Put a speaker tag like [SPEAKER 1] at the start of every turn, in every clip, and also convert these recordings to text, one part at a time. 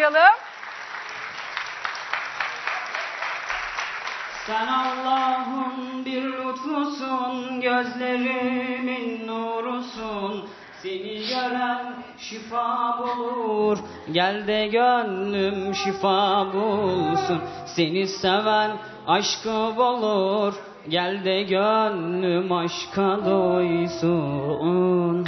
[SPEAKER 1] alkışlayalım.
[SPEAKER 2] Sen Allah'ın bir lütfusun, gözlerimin nurusun. Seni gören şifa bulur, gel de gönlüm şifa bulsun. Seni seven aşkı bulur, gel de gönlüm aşka doysun.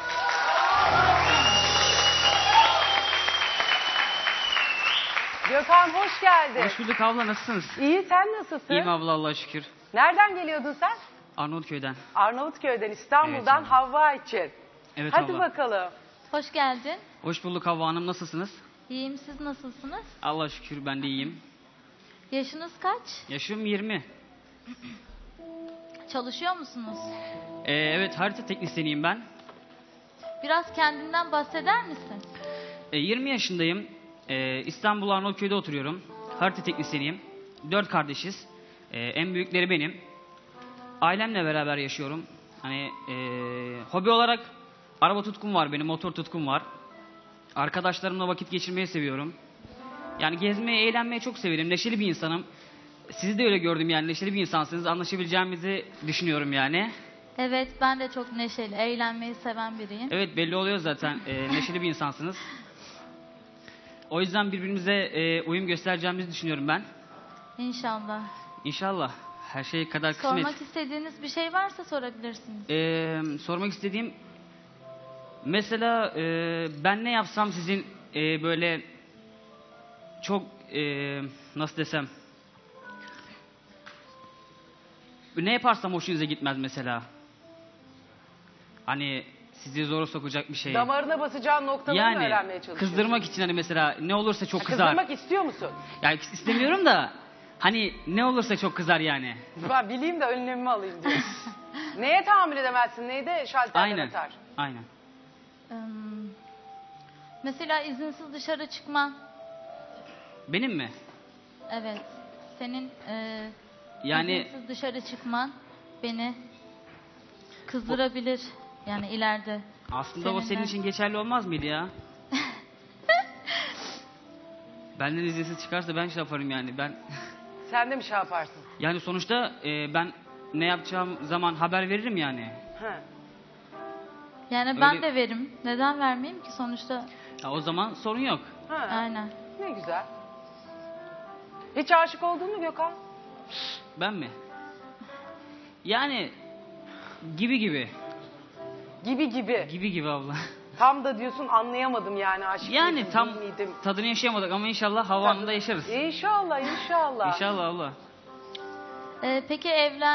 [SPEAKER 1] Gökhan hoş geldin.
[SPEAKER 2] Hoş bulduk abla, nasılsınız?
[SPEAKER 1] İyi, sen nasılsın?
[SPEAKER 2] İyiyim abla, Allah'a şükür.
[SPEAKER 1] Nereden geliyordun sen?
[SPEAKER 2] Arnavutköy'den.
[SPEAKER 1] Arnavutköy'den, İstanbul'dan,
[SPEAKER 2] Evet,
[SPEAKER 1] Havva için.
[SPEAKER 2] Evet
[SPEAKER 1] Hadi
[SPEAKER 2] abla.
[SPEAKER 1] bakalım.
[SPEAKER 3] Hoş geldin.
[SPEAKER 2] Hoş bulduk Havva Hanım, nasılsınız?
[SPEAKER 3] İyiyim, siz nasılsınız?
[SPEAKER 2] Allah'a şükür ben de iyiyim.
[SPEAKER 3] Yaşınız kaç?
[SPEAKER 2] Yaşım 20.
[SPEAKER 3] Çalışıyor musunuz?
[SPEAKER 2] Evet, harita teknisyeniyim ben.
[SPEAKER 3] Biraz kendinden bahseder misin?
[SPEAKER 2] 20 yaşındayım. İstanbul Arnavutköy'de oturuyorum. Harita teknisyeniyim. 4 kardeşiz. En büyükleri benim. Ailemle beraber yaşıyorum. Hani hobi olarak araba tutkum var benim, motor tutkum var. Arkadaşlarımla vakit geçirmeyi seviyorum. Yani gezmeyi, eğlenmeyi çok severim. Neşeli bir insanım. Sizi de öyle gördüm yani, neşeli bir insansınız. Anlaşabileceğimizi düşünüyorum yani.
[SPEAKER 3] Evet, ben de çok neşeli, eğlenmeyi seven biriyim.
[SPEAKER 2] Evet, belli oluyor zaten. Neşeli bir insansınız. O yüzden birbirimize uyum göstereceğimizi düşünüyorum ben.
[SPEAKER 3] İnşallah.
[SPEAKER 2] İnşallah. Her şey kadar kısmet.
[SPEAKER 3] Sormak istediğiniz bir şey varsa sorabilirsiniz.
[SPEAKER 2] Sormak istediğim... Mesela ben ne yapsam sizin böyle... Çok... nasıl desem... Ne yaparsam hoşunuza gitmez mesela. Hani sizi zora sokacak bir şey.
[SPEAKER 1] Damarına basacağın noktaları mı öğrenmeye çalışıyorsun?
[SPEAKER 2] Kızdırmak için hani mesela ne olursa çok kızar.
[SPEAKER 1] Kızdırmak istiyor musun?
[SPEAKER 2] Yani istemiyorum da hani ne olursa çok kızar yani.
[SPEAKER 1] Ben bileyim de önlemimi alayım diyor. Neye tahammül edemezsin? Neye de şalterden
[SPEAKER 2] Aynen.
[SPEAKER 1] atar?
[SPEAKER 2] Aynen.
[SPEAKER 3] Mesela izinsiz dışarı çıkma.
[SPEAKER 2] Benim mi?
[SPEAKER 3] Evet. Senin
[SPEAKER 2] Yani
[SPEAKER 3] izinsiz dışarı çıkman beni kızdırabilir. Yani ileride.
[SPEAKER 2] aslında o senin
[SPEAKER 3] seninle.
[SPEAKER 2] için geçerli olmaz mıydı ya? Benden izinsiz çıkarsa ben şey yaparım yani. Ben
[SPEAKER 1] Sen de mi şey yaparsın?
[SPEAKER 2] yani sonuçta ben ne yapacağım zaman haber veririm yani.
[SPEAKER 1] Ha.
[SPEAKER 3] Yani ben
[SPEAKER 2] Öyle-
[SPEAKER 3] de veririm. Neden vermeyeyim ki sonuçta?
[SPEAKER 2] Ya o zaman sorun yok.
[SPEAKER 1] Ha.
[SPEAKER 3] Aynen.
[SPEAKER 1] Ne güzel. Hiç aşık oldun mu Gökhan?
[SPEAKER 2] Ben mi? Yani gibi gibi.
[SPEAKER 1] Gibi gibi.
[SPEAKER 2] Gibi gibi abla.
[SPEAKER 1] Tam da diyorsun anlayamadım yani aşık
[SPEAKER 2] Yani
[SPEAKER 1] mıydım,
[SPEAKER 2] tam
[SPEAKER 1] değil miydim?
[SPEAKER 2] tadını yaşayamadık ama inşallah Hava Hanım'da yaşarız.
[SPEAKER 1] İnşallah, inşallah.
[SPEAKER 2] İnşallah abla.
[SPEAKER 3] Peki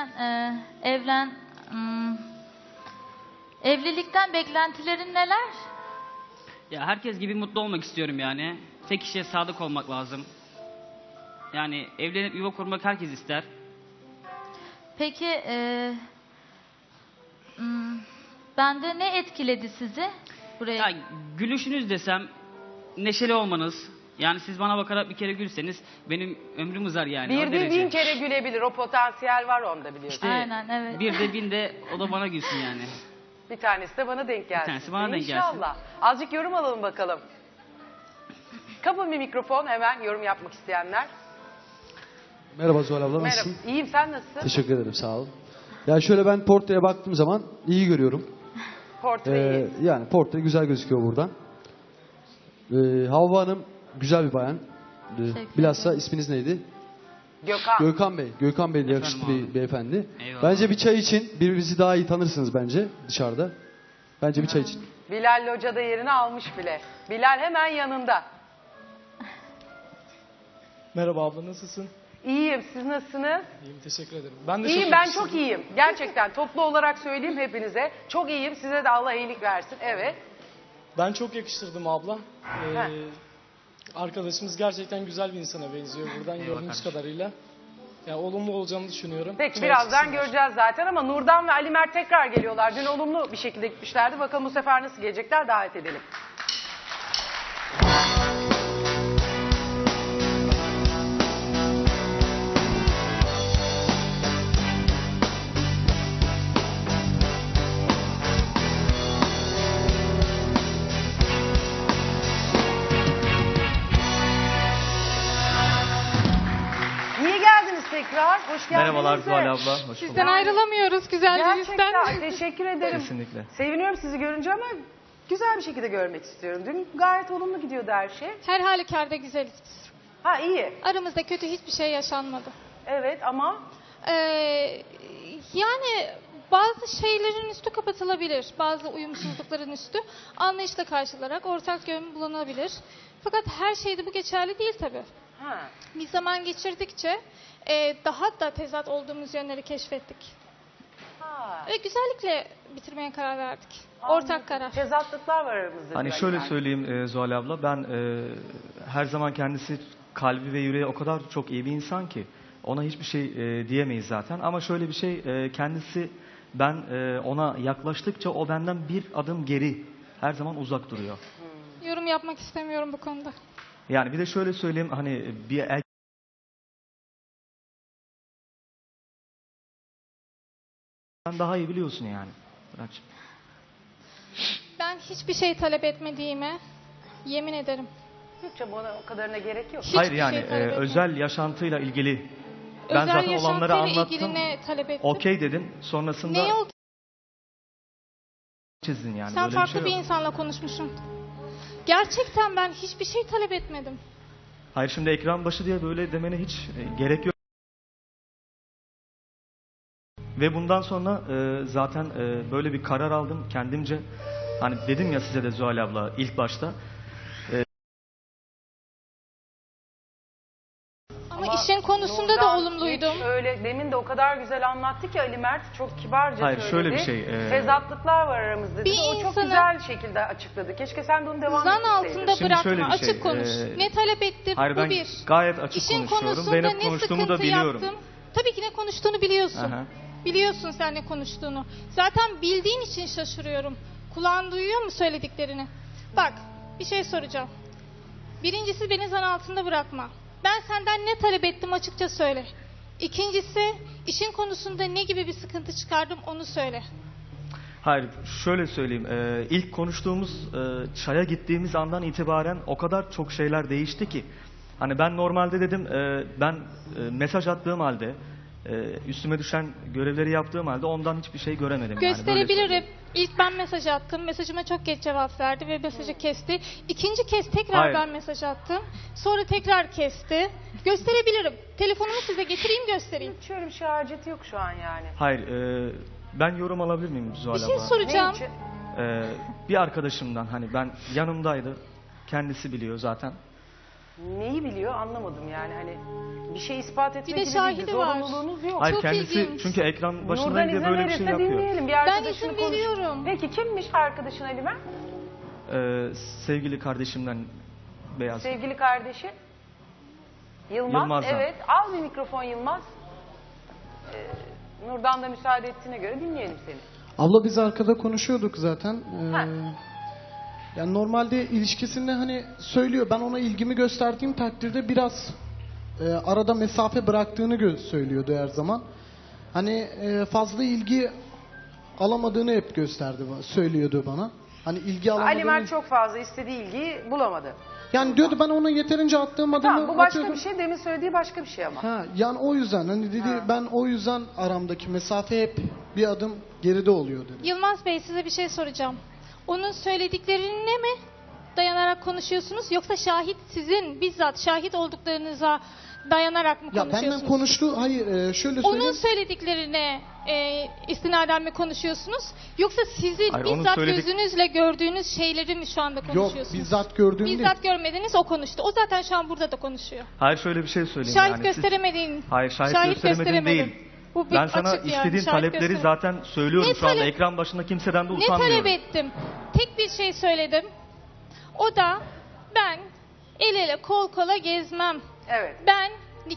[SPEAKER 3] evlilikten beklentilerin neler?
[SPEAKER 2] Ya herkes gibi mutlu olmak istiyorum yani. Tek kişiye sadık olmak lazım. Yani evlenip yuva kurmak herkes ister.
[SPEAKER 3] Peki bende ne etkiledi sizi buraya?
[SPEAKER 2] Ya gülüşünüz desem, neşeli olmanız. Yani siz bana bakarak bir kere gülseniz benim ömrüm uzar yani.
[SPEAKER 1] Bir
[SPEAKER 2] o
[SPEAKER 1] değil
[SPEAKER 2] derece.
[SPEAKER 1] 1000 kere gülebilir. O potansiyel var onda biliyorsun.
[SPEAKER 2] İşte
[SPEAKER 3] Aynen, evet.
[SPEAKER 2] bir de bin de o da bana gülsün yani.
[SPEAKER 1] Bir tanesi de bana denk gelsin.
[SPEAKER 2] tanesi bana denk gelsin.
[SPEAKER 1] İnşallah. Azıcık yorum alalım bakalım. Kapın bir mikrofon hemen yorum yapmak isteyenler.
[SPEAKER 4] Merhaba Zuhal abla,
[SPEAKER 1] Merhaba.
[SPEAKER 4] nasılsın?
[SPEAKER 1] İyiyim, sen nasılsın?
[SPEAKER 4] Teşekkür ederim, sağ ol. Ya şöyle ben portreye baktığım zaman iyi görüyorum.
[SPEAKER 1] Portreyi.
[SPEAKER 4] Yani portre güzel gözüküyor buradan. Havva Hanım güzel bir bayan.
[SPEAKER 3] Teşekkür
[SPEAKER 4] Bilhassa isminiz neydi?
[SPEAKER 1] Gökhan.
[SPEAKER 4] Gökhan Bey. Gökhan Bey de
[SPEAKER 2] Efendim
[SPEAKER 4] yakışıklı
[SPEAKER 2] abi.
[SPEAKER 4] bir beyefendi.
[SPEAKER 2] Eyvallah.
[SPEAKER 4] Bence bir çay için birbirinizi daha iyi tanırsınız bence dışarıda. Bence bir çay için.
[SPEAKER 1] Bilal Hoca da yerini almış bile. Bilal hemen yanında.
[SPEAKER 5] Merhaba abla, nasılsın?
[SPEAKER 1] İyiyim, siz nasılsınız?
[SPEAKER 5] İyiyim, teşekkür ederim. Ben de
[SPEAKER 1] İyiyim, ben
[SPEAKER 5] yakıştırdım.
[SPEAKER 1] çok iyiyim. Gerçekten toplu olarak söyleyeyim hepinize. Çok iyiyim, size de Allah iyilik versin. Evet.
[SPEAKER 5] Ben çok yakıştırdım abla.
[SPEAKER 1] Heh.
[SPEAKER 5] Arkadaşımız gerçekten güzel bir insana benziyor buradan
[SPEAKER 2] Eyvallah
[SPEAKER 5] gördüğümüz
[SPEAKER 2] kardeşim.
[SPEAKER 5] kadarıyla. Yani olumlu olacağını düşünüyorum.
[SPEAKER 1] Peki
[SPEAKER 5] Çay
[SPEAKER 1] birazdan
[SPEAKER 5] çıksınlar.
[SPEAKER 1] göreceğiz zaten ama Nurdan ve Ali Mert tekrar geliyorlar. Dün olumlu bir şekilde gitmişlerdi. Bakalım bu sefer nasıl gelecekler, davet edelim. tekrar. Hoş geldiniz.
[SPEAKER 6] Merhabalar
[SPEAKER 1] de.
[SPEAKER 6] Zuhal abla. Hoş bulduk.
[SPEAKER 7] Sizden ayrılamıyoruz güzel yüzden.
[SPEAKER 1] Gerçekten teşekkür ederim.
[SPEAKER 6] Kesinlikle.
[SPEAKER 1] Seviniyorum sizi görünce ama güzel bir şekilde görmek istiyorum. Dün gayet olumlu gidiyordu her şey.
[SPEAKER 7] Her halükarda güzeliz biz.
[SPEAKER 1] Ha iyi.
[SPEAKER 7] Aramızda kötü hiçbir şey yaşanmadı.
[SPEAKER 1] Evet ama
[SPEAKER 7] Yani bazı şeylerin üstü kapatılabilir. Bazı uyumsuzlukların üstü anlayışla karşılarak ortak yön bulunabilir. Fakat her şeyde bu geçerli değil tabii.
[SPEAKER 1] ha.
[SPEAKER 7] Bir zaman geçirdikçe daha da tezat olduğumuz yönleri keşfettik.
[SPEAKER 1] Ha.
[SPEAKER 7] Ve güzellikle bitirmeye karar verdik.
[SPEAKER 1] Anladım.
[SPEAKER 7] Ortak karar.
[SPEAKER 1] Tezatlıklar var aramızda.
[SPEAKER 6] Hani
[SPEAKER 1] diyor
[SPEAKER 6] şöyle
[SPEAKER 1] yani.
[SPEAKER 6] söyleyeyim Zuhal abla. Ben her zaman kendisi kalbi ve yüreği o kadar çok iyi bir insan ki ona hiçbir şey diyemeyiz zaten. Ama şöyle bir şey kendisi ben ona yaklaştıkça o benden bir adım geri her zaman uzak duruyor.
[SPEAKER 7] Yorum yapmak istemiyorum bu konuda.
[SPEAKER 6] Yani bir de şöyle söyleyeyim hani bir sen daha iyi biliyorsun yani. Muratçığım.
[SPEAKER 7] Ben hiçbir şey talep etmediğime yemin ederim.
[SPEAKER 1] Yok canım, ona o kadarına gerek yok.
[SPEAKER 7] Hiçbir
[SPEAKER 6] Hayır yani
[SPEAKER 7] şey talep etmedim.
[SPEAKER 6] özel yaşantıyla ilgili ben
[SPEAKER 7] Özel
[SPEAKER 6] zaten olanları
[SPEAKER 7] yaşantıyla
[SPEAKER 6] anlattım.
[SPEAKER 7] ilgili ne talep ettin?
[SPEAKER 6] Okey dedin. Sonrasında
[SPEAKER 7] Ne oldu?
[SPEAKER 6] çizdin yani.
[SPEAKER 7] Sen
[SPEAKER 6] Böyle
[SPEAKER 7] farklı
[SPEAKER 6] bir
[SPEAKER 7] bir,
[SPEAKER 6] şey yok.
[SPEAKER 7] insanla konuşmuşsun. Gerçekten ben hiçbir şey talep etmedim.
[SPEAKER 6] Hayır şimdi ekran başı diye böyle demene hiç gerek yok. Ve bundan sonra zaten böyle bir karar aldım kendimce. Hani dedim ya size de Zuhal abla ilk başta.
[SPEAKER 7] Ama işin konusunda da
[SPEAKER 1] Nurdan
[SPEAKER 7] olumluydum.
[SPEAKER 1] hiç öyle demin de o kadar güzel anlattı ki Ali Mert çok kibarca
[SPEAKER 6] Hayır,
[SPEAKER 1] söyledi.
[SPEAKER 6] şöyle bir şey,
[SPEAKER 1] Tezatlıklar var aramızda dedi.
[SPEAKER 7] Bir
[SPEAKER 1] O çok
[SPEAKER 7] insanı
[SPEAKER 1] güzel şekilde açıkladı. Keşke sen de onu devam
[SPEAKER 7] Zan
[SPEAKER 1] ettirseydin.
[SPEAKER 7] altında
[SPEAKER 6] Şimdi
[SPEAKER 7] bırakma,
[SPEAKER 6] şöyle bir şey,
[SPEAKER 7] açık konuş. Ne talep ettim,
[SPEAKER 6] Hayır
[SPEAKER 7] bu
[SPEAKER 6] ben
[SPEAKER 7] bir.
[SPEAKER 6] gayet açık
[SPEAKER 7] İşin
[SPEAKER 6] konuşuyorum.
[SPEAKER 7] konusunda
[SPEAKER 6] Ve ne
[SPEAKER 7] ne
[SPEAKER 6] konuştuğumu
[SPEAKER 7] sıkıntı
[SPEAKER 6] da biliyorum.
[SPEAKER 7] yaptım. Tabii ki ne konuştuğunu biliyorsun.
[SPEAKER 6] Aha.
[SPEAKER 7] Biliyorsun sen ne konuştuğunu. Zaten bildiğin için şaşırıyorum. Kulağın duyuyor mu söylediklerini? Bak, bir şey soracağım. Birincisi beni zan altında bırakma. Ben senden ne talep ettim açıkça söyle. İkincisi, işin konusunda ne gibi bir sıkıntı çıkardım onu söyle.
[SPEAKER 6] Hayır şöyle söyleyeyim. İlk konuştuğumuz çaya gittiğimiz andan itibaren o kadar çok şeyler değişti ki. Hani ben normalde dedim ben mesaj attığım halde üstüme düşen görevleri yaptığım halde ondan hiçbir şey göremedim. Yani, böyle
[SPEAKER 7] Gösterebilirim.
[SPEAKER 6] söyleyeyim.
[SPEAKER 7] İlk ben mesaj attım. Mesajıma çok geç cevap verdi ve mesajı kesti. İkinci kez tekrar
[SPEAKER 6] Hayır.
[SPEAKER 7] ben mesaj attım. Sonra tekrar kesti. Gösterebilirim. Telefonumu size getireyim göstereyim.
[SPEAKER 1] Hiç öyle bir şey haceti yok şu an yani.
[SPEAKER 6] Hayır ben yorum alabilir miyim Zuhal
[SPEAKER 7] Bir şey
[SPEAKER 6] abla?
[SPEAKER 7] soracağım.
[SPEAKER 1] Ne için?
[SPEAKER 6] Bir arkadaşımdan hani ben yanımdaydı. Kendisi biliyor zaten.
[SPEAKER 1] Neyi biliyor anlamadım yani hani bir şey ispat etmek
[SPEAKER 7] de
[SPEAKER 1] gibi değil.
[SPEAKER 7] şahidi var.
[SPEAKER 1] Zorunluluğunuz yok.
[SPEAKER 6] Hayır
[SPEAKER 7] Çok
[SPEAKER 6] kendisi
[SPEAKER 7] ilginç.
[SPEAKER 6] çünkü ekran
[SPEAKER 1] Nurdan
[SPEAKER 6] başındaydı
[SPEAKER 1] izin
[SPEAKER 6] böyle bir şey
[SPEAKER 1] verirse
[SPEAKER 6] yapıyor.
[SPEAKER 1] dinleyelim. Bir
[SPEAKER 7] Ben
[SPEAKER 1] arkadaşını
[SPEAKER 7] izin veriyorum.
[SPEAKER 1] Peki kimmiş arkadaşın Ali Mert?
[SPEAKER 6] Sevgili kardeşimden Beyaz.
[SPEAKER 1] Sevgili kardeşi? Yılmaz.
[SPEAKER 6] Yılmaz'dan.
[SPEAKER 1] Evet. Al bir mikrofon Yılmaz. Nurdan da müsaade ettiğine göre dinleyelim seni.
[SPEAKER 4] Abla biz arkada konuşuyorduk zaten.
[SPEAKER 1] Ha.
[SPEAKER 4] Yani normalde ilişkisinde hani söylüyor, ben ona ilgimi gösterdiğim takdirde biraz arada mesafe bıraktığını söylüyordu her zaman. Hani fazla ilgi alamadığını hep söylüyordu bana. Hani ilgi alamadığını.
[SPEAKER 1] Ali Mert çok fazla istediği ilgiyi bulamadı.
[SPEAKER 4] Yani diyordu ben ona yeterince attığım adımı
[SPEAKER 1] Tamam bu başka
[SPEAKER 4] atıyordum.
[SPEAKER 1] bir şey. Demin söylediği başka bir şey ama.
[SPEAKER 4] Ha, yani o yüzden hani dedi ben o yüzden aramdaki mesafe hep bir adım geride oluyor dedi.
[SPEAKER 7] Yılmaz Bey size bir şey soracağım. Onun söylediklerine mi dayanarak konuşuyorsunuz yoksa sizin bizzat şahit olduklarınıza dayanarak mı
[SPEAKER 4] Ya
[SPEAKER 7] konuşuyorsunuz?
[SPEAKER 4] benden konuştu. Hayır şöyle
[SPEAKER 7] Onun
[SPEAKER 4] söyleyeyim.
[SPEAKER 7] söylediklerine istinaden mi konuşuyorsunuz? Yoksa sizin
[SPEAKER 6] Hayır, onun
[SPEAKER 7] bizzat
[SPEAKER 6] söyledik-
[SPEAKER 7] gözünüzle gördüğünüz şeyleri mi şu anda
[SPEAKER 4] Yok
[SPEAKER 7] konuşuyorsunuz?
[SPEAKER 4] bizzat gördüğüm değil.
[SPEAKER 7] Bizzat görmediniz o konuştu. O zaten şu an burada da konuşuyor.
[SPEAKER 6] Hayır şöyle bir şey söyleyeyim.
[SPEAKER 7] Şahit
[SPEAKER 6] yani. Siz-
[SPEAKER 7] gösteremediğin.
[SPEAKER 6] Hayır şahit gösteremedin değil.
[SPEAKER 7] Bu bir
[SPEAKER 6] Ben sana
[SPEAKER 7] açık yani,
[SPEAKER 6] istediğin
[SPEAKER 7] şahit
[SPEAKER 6] talepleri
[SPEAKER 7] gösteremedin.
[SPEAKER 6] zaten söylüyorum
[SPEAKER 7] Ne
[SPEAKER 6] şu anda.
[SPEAKER 7] talep-
[SPEAKER 6] Ekran başında kimseden de
[SPEAKER 7] Ne
[SPEAKER 6] utanmıyorum.
[SPEAKER 7] talep ettim? Tek bir şey söyledim. O da ben el ele kol kola gezmem.
[SPEAKER 1] Evet.
[SPEAKER 7] Ben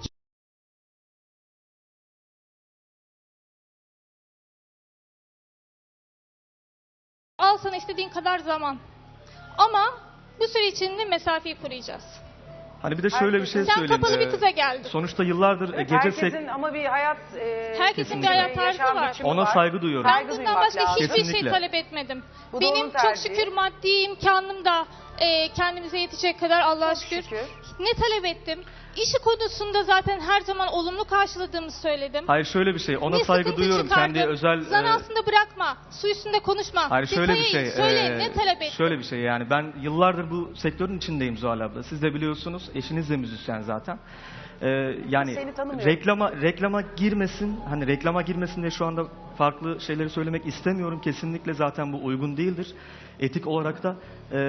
[SPEAKER 7] al sana istediğin kadar zaman. Ama bu süre içinde mesafeyi koruyacağız.
[SPEAKER 6] Hani bir de şöyle bir şey
[SPEAKER 7] Sen
[SPEAKER 6] söyleyeyim.
[SPEAKER 7] kapalı bir kıza geldin.
[SPEAKER 6] Sonuçta yıllardır
[SPEAKER 1] Evet,
[SPEAKER 6] gece
[SPEAKER 1] herkesin ama bir hayat
[SPEAKER 7] Herkesin bir hayat tarzı
[SPEAKER 1] yaşam
[SPEAKER 7] var.
[SPEAKER 1] biçimi
[SPEAKER 6] ona
[SPEAKER 1] var.
[SPEAKER 6] saygı duyuyorum.
[SPEAKER 7] Ben
[SPEAKER 1] Saygı
[SPEAKER 7] bundan
[SPEAKER 1] duymak
[SPEAKER 7] başka
[SPEAKER 1] lazım.
[SPEAKER 7] hiçbir şey
[SPEAKER 6] Kesinlikle.
[SPEAKER 7] talep etmedim.
[SPEAKER 1] Bu da onun
[SPEAKER 7] Benim çok
[SPEAKER 1] tercihi.
[SPEAKER 7] şükür maddi imkanım da kendimize yetecek kadar Allah'a
[SPEAKER 1] Çok
[SPEAKER 7] şükür.
[SPEAKER 1] şükür.
[SPEAKER 7] Ne talep ettim? işi konusunda zaten her zaman olumlu karşıladığımı söyledim.
[SPEAKER 6] Hayır şöyle bir şey. Ona
[SPEAKER 7] Ne
[SPEAKER 6] saygı
[SPEAKER 7] sıkıntı
[SPEAKER 6] duyuyorum.
[SPEAKER 7] çıkardın?
[SPEAKER 6] Kendi özel
[SPEAKER 7] Zan altında bırakma. Su üstünde konuşma.
[SPEAKER 6] hayır şöyle bir
[SPEAKER 7] Detayı
[SPEAKER 6] şey.
[SPEAKER 7] Söyle ne talep et?
[SPEAKER 6] Şöyle bir şey yani ben yıllardır bu sektörün içindeyim Zuhal abla. Siz de biliyorsunuz. Eşiniz de müzisyen zaten. Yani
[SPEAKER 1] Seni tanımıyorum.
[SPEAKER 6] reklama girmesin. Hani reklama girmesin diye şu anda farklı şeyleri söylemek istemiyorum. Kesinlikle zaten bu uygun değildir. Etik olarak da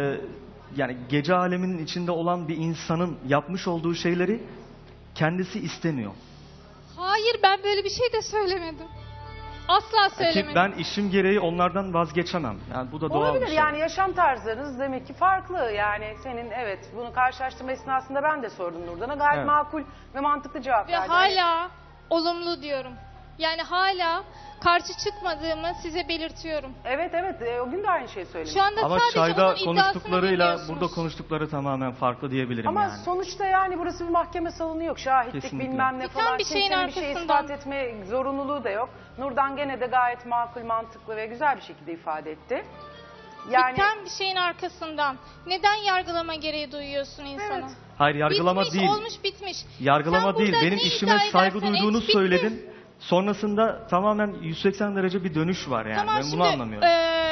[SPEAKER 6] yani gece aleminin içinde olan bir insanın yapmış olduğu şeyleri kendisi istemiyor.
[SPEAKER 7] Hayır ben böyle bir şey de söylemedim. Asla
[SPEAKER 6] Ki
[SPEAKER 7] söylemedim.
[SPEAKER 6] ben işim gereği onlardan vazgeçemem. Yani bu da doğal
[SPEAKER 1] Olabilir
[SPEAKER 6] bir şey.
[SPEAKER 1] yani yaşam tarzlarınız demek ki farklı. Yani senin evet bunu karşılaştırma esnasında ben de sordum Nurdan'a. Gayet
[SPEAKER 6] Evet.
[SPEAKER 1] makul ve mantıklı cevap
[SPEAKER 7] Ve
[SPEAKER 1] verdi.
[SPEAKER 7] hala olumlu diyorum. Yani hala karşı çıkmadığımı size belirtiyorum.
[SPEAKER 1] Evet o gün de aynı şeyi söylemiş.
[SPEAKER 7] Şu anda
[SPEAKER 6] Ama
[SPEAKER 7] sadece
[SPEAKER 6] çayda
[SPEAKER 7] onun iddiasını
[SPEAKER 6] konuştuklarıyla
[SPEAKER 7] dinliyorsunuz.
[SPEAKER 6] burada konuştukları tamamen farklı diyebilirim
[SPEAKER 1] Ama
[SPEAKER 6] yani.
[SPEAKER 1] sonuçta yani burası bir mahkeme salonu yok. Şahitlik
[SPEAKER 6] Kesinlikle.
[SPEAKER 1] bilmem ne
[SPEAKER 7] Biten
[SPEAKER 1] falan.
[SPEAKER 7] bir şeyin
[SPEAKER 1] Kimsenin bir şey
[SPEAKER 7] arkasından.
[SPEAKER 1] ispat etme zorunluluğu da yok. Nurdan gene de gayet makul, mantıklı ve güzel bir şekilde ifade etti. Yani
[SPEAKER 7] Biten bir şeyin arkasından neden yargılama gereği duyuyorsun insana?
[SPEAKER 1] Evet.
[SPEAKER 6] Hayır yargılama
[SPEAKER 7] bitmiş,
[SPEAKER 6] değil.
[SPEAKER 7] olmuş bitmiş.
[SPEAKER 6] Yargılama
[SPEAKER 7] Sen
[SPEAKER 6] değil.
[SPEAKER 7] burada
[SPEAKER 6] Benim
[SPEAKER 7] ne
[SPEAKER 6] işime
[SPEAKER 7] iddia
[SPEAKER 6] saygı
[SPEAKER 7] edersen
[SPEAKER 6] duyduğunu
[SPEAKER 7] et, bitti.
[SPEAKER 6] söyledin. Sonrasında tamamen 180 derece bir dönüş var yani.
[SPEAKER 7] Tamam
[SPEAKER 6] Ben
[SPEAKER 7] şimdi
[SPEAKER 6] bunu anlamıyorum.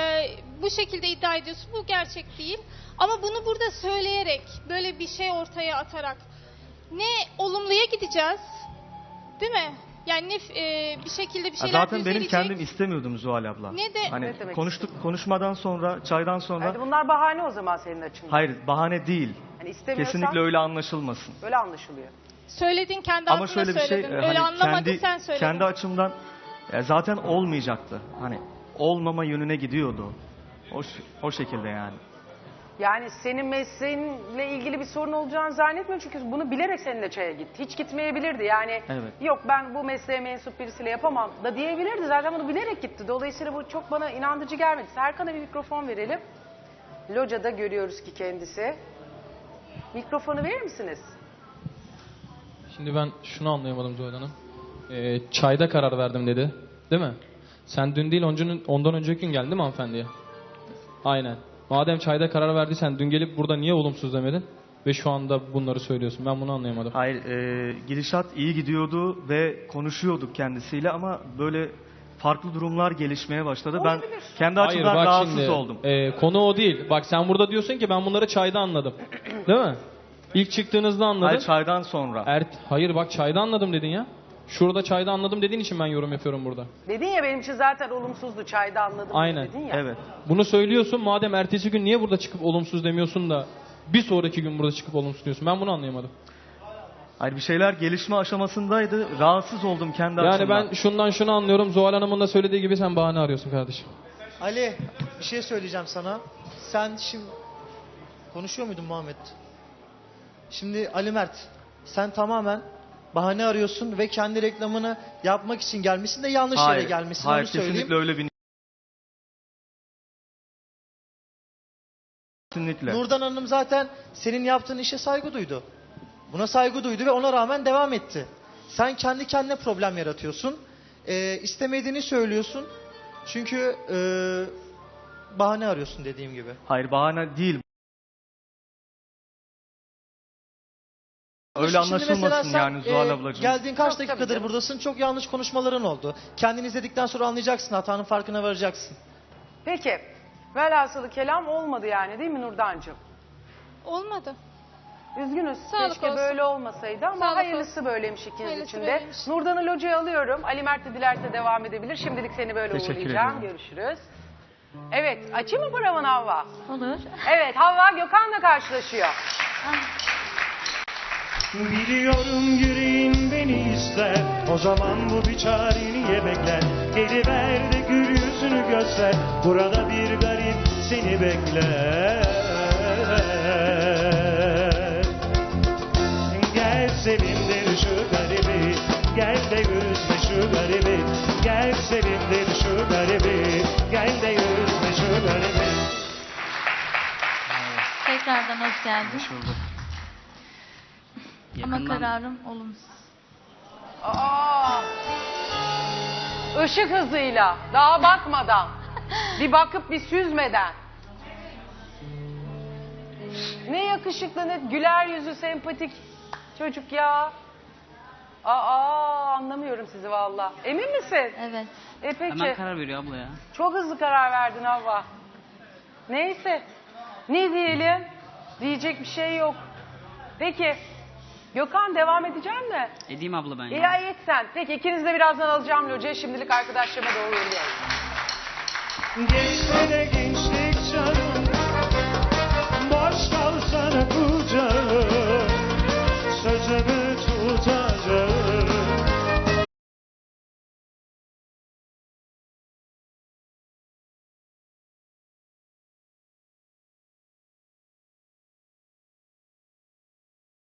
[SPEAKER 7] bu şekilde iddia ediyorsun. Bu gerçek değil. Ama bunu burada söyleyerek, böyle bir şey ortaya atarak ne olumluya gideceğiz, değil mi? Yani bir şekilde bir
[SPEAKER 6] Ya
[SPEAKER 7] şeyler
[SPEAKER 6] zaten benim
[SPEAKER 7] düzelecek.
[SPEAKER 6] kendim istemiyordum Zuhal abla.
[SPEAKER 7] Ne de-
[SPEAKER 6] Hani
[SPEAKER 1] Ne demek
[SPEAKER 6] konuşmadan sonra, çaydan sonra
[SPEAKER 1] hadi bunlar bahane o zaman senin açından.
[SPEAKER 6] hayır bahane değil.
[SPEAKER 1] Hani istemiyorsan
[SPEAKER 6] Kesinlikle öyle anlaşılmasın.
[SPEAKER 1] öyle anlaşılıyor.
[SPEAKER 7] Söyledin kendi
[SPEAKER 6] Ama
[SPEAKER 7] ağzına
[SPEAKER 6] şöyle bir şey
[SPEAKER 7] söyledin. Öyle
[SPEAKER 6] hani
[SPEAKER 7] anlamadı sen söyledin.
[SPEAKER 6] kendi açımdan zaten olmayacaktı. Hani olmama yönüne gidiyordu. O şekilde yani.
[SPEAKER 1] Yani senin mesleğinle ilgili bir sorun olacağını zannetmiyorum çünkü bunu bilerek seninle çaya gitti. Hiç gitmeyebilirdi yani.
[SPEAKER 6] Evet.
[SPEAKER 1] Yok ben bu mesleğe mensup birisiyle yapamam da diyebilirdi. Zaten bunu bilerek gitti. Dolayısıyla bu çok bana inandırıcı gelmedi. Serkan'a bir mikrofon verelim. Loca'da görüyoruz ki kendisi. Mikrofonu verir misiniz?
[SPEAKER 8] Şimdi ben şunu anlayamadım Zuhal Hanım. Çayda karar verdim dedi. Değil mi? Sen dün değil ondan önceki gün geldin değil mi hanımefendiye? Aynen. Madem çayda karar verdiysen dün gelip burada niye olumsuz demedin? Ve şu anda bunları söylüyorsun. Ben bunu anlayamadım.
[SPEAKER 6] Hayır, gidişat iyi gidiyordu ve konuşuyorduk kendisiyle ama böyle farklı durumlar gelişmeye başladı. Ben kendi
[SPEAKER 8] Hayır
[SPEAKER 6] açımdan
[SPEAKER 8] bak
[SPEAKER 6] rahatsız
[SPEAKER 8] şimdi
[SPEAKER 6] oldum.
[SPEAKER 8] konu o değil. Bak sen burada diyorsun ki ben bunları çayda anladım. Değil mi? İlk çıktığınızda anladın.
[SPEAKER 6] Hayır, çaydan sonra.
[SPEAKER 8] Hayır bak çayda anladım dedin ya. Şurada çayda anladım dediğin için ben yorum yapıyorum burada.
[SPEAKER 1] Dedin ya benim için zaten olumsuzdu çayda anladım
[SPEAKER 8] Aynen.
[SPEAKER 1] dedin ya.
[SPEAKER 6] Evet.
[SPEAKER 8] Bunu söylüyorsun madem ertesi gün niye burada çıkıp olumsuz demiyorsun da bir sonraki gün burada çıkıp olumsuz diyorsun. Ben bunu anlayamadım.
[SPEAKER 6] Hayır, bir şeyler gelişme aşamasındaydı. Rahatsız oldum kendi
[SPEAKER 8] Yani
[SPEAKER 6] açımdan.
[SPEAKER 8] ben şundan şunu anlıyorum. Zuhal Hanım'ın da söylediği gibi sen bahane arıyorsun kardeşim.
[SPEAKER 9] Ali bir şey söyleyeceğim sana. Sen şimdi konuşuyor muydun Muhammed? Şimdi Ali Mert sen tamamen bahane arıyorsun ve kendi reklamını yapmak için gelmişsin de yanlış yere gelmişsin.
[SPEAKER 6] Hayır,
[SPEAKER 9] onu söyleyeyim.
[SPEAKER 6] kesinlikle öyle bir... Kesinlikle.
[SPEAKER 9] Nurdan Hanım zaten senin yaptığın işe saygı duydu. Buna saygı duydu ve ona rağmen devam etti. Sen kendi kendine problem yaratıyorsun. İstemediğini söylüyorsun. Çünkü bahane arıyorsun dediğim gibi.
[SPEAKER 6] Hayır, bahane değil. Öyle
[SPEAKER 9] Şimdi mesela
[SPEAKER 6] anlaşılmasın
[SPEAKER 9] sen,
[SPEAKER 6] yani Zuhal ablacığım.
[SPEAKER 9] Geldiğin kaç
[SPEAKER 1] Yok, tabii
[SPEAKER 9] dakikadır
[SPEAKER 1] canım.
[SPEAKER 9] buradasın. Çok yanlış konuşmaların oldu. Kendini izledikten sonra anlayacaksın. Hatanın farkına varacaksın.
[SPEAKER 1] Peki. Velhasılı kelam olmadı yani değil mi Nurdancığım?
[SPEAKER 7] Olmadı.
[SPEAKER 1] Üzgünüz.
[SPEAKER 7] Sağlık
[SPEAKER 1] Keşke
[SPEAKER 7] olsun.
[SPEAKER 1] böyle olmasaydı ama
[SPEAKER 7] Sağlık
[SPEAKER 1] hayırlısı böyleymiş ikiniz
[SPEAKER 7] Hayırlısı
[SPEAKER 1] için de.
[SPEAKER 7] böyleymiş.
[SPEAKER 1] Nurdan'ı locaya alıyorum. Ali Mert de dilerse devam edebilir. Şimdilik seni böyle
[SPEAKER 6] Teşekkür
[SPEAKER 1] uğurlayacağım.
[SPEAKER 6] ediyorum.
[SPEAKER 1] Görüşürüz. Evet. Açayım mı paravanı Havva?
[SPEAKER 3] Olur.
[SPEAKER 1] Evet. Havva Gökhan'la karşılaşıyor.
[SPEAKER 10] Biliyorum yüreğin beni ister. O zaman bu bir çare niye bekler? Geliver de gül yüzünü göster. Burada bir garip seni bekler. Gel sevindir şu garibi. Gel de üzme şu garibi. Gel sevindir şu garibi. Gel de üzme şu garibi.
[SPEAKER 3] Tekrardan hoş geldin.
[SPEAKER 6] Hoş bulduk.
[SPEAKER 3] Ama
[SPEAKER 2] Yakından
[SPEAKER 3] kararım olumsuz.
[SPEAKER 1] Aa! Işık hızıyla. Daha bakmadan. Bir bakıp bir süzmeden. Ne yakışıklı, ne güler yüzü, sempatik. çocuk ya. Anlamıyorum sizi valla. Emin misin?
[SPEAKER 3] Evet.
[SPEAKER 1] Peki.
[SPEAKER 2] Hemen karar veriyor abla ya.
[SPEAKER 1] Çok hızlı karar verdin Havva. Neyse. Ne diyelim? Diyecek bir şey yok. Peki. Gökhan devam edecek mi?
[SPEAKER 2] Edeyim abla ben ya.
[SPEAKER 1] İyi et sen. Peki ikiniz de birazdan alacağım locaya. Şimdilik arkadaşlarıma doğru yürüyorum.
[SPEAKER 10] Geçse de gençlik canım, boş kalsana kucağım.